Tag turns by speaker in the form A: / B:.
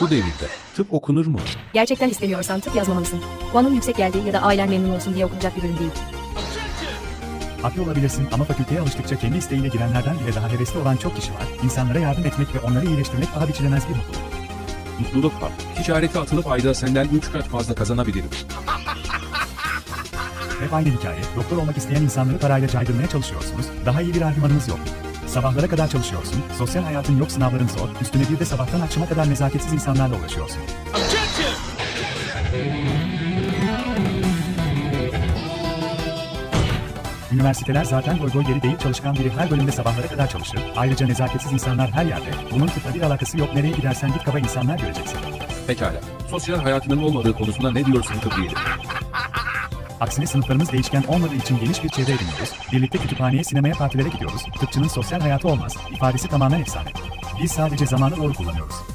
A: Bu devirde tıp okunur mu?
B: Gerçekten istemiyorsan tıp yazmamalısın. Puanın yüksek geldi ya da ailen memnun olsun diye okunacak bir bölüm değil.
C: Haklı olabilirsin ama fakülteye alıştıkça kendi isteğiyle girenlerden bile daha hevesli olan çok kişi var. İnsanlara yardım etmek ve onları iyileştirmek paha biçilemez bir mutluluk.
A: Mutluluk var. Ticarete atılıp ayda senden 3 kat fazla kazanabilirim.
C: Hep aynı hikaye. Doktor olmak isteyen insanları parayla caydırmaya çalışıyorsunuz. Daha iyi bir argümanınız yok. Sabahlara kadar çalışıyorsun, sosyal hayatın yok, sınavların zor, üstüne bir de sabahtan akşama kadar nezaketsiz insanlarla uğraşıyorsun. Üniversiteler zaten goy goy geri değil, çalışkan biri her bölümde sabahlara kadar çalışır. Ayrıca nezaketsiz insanlar her yerde. Bunun tıpla bir alakası yok, nereye gidersen git kaba insanlar göreceksin.
A: Pekala. Sosyal hayatının olmadığı konusunda ne diyorsun tıbbiyelim?
C: Aksine sınıflarımız değişken olmadığı için geniş bir çevre ediniyoruz. Birlikte kütüphaneye, sinemaya, partilere gidiyoruz. Tıpçının sosyal hayatı olmaz. İfadesi tamamen efsane. Biz sadece zamanı doğru kullanıyoruz.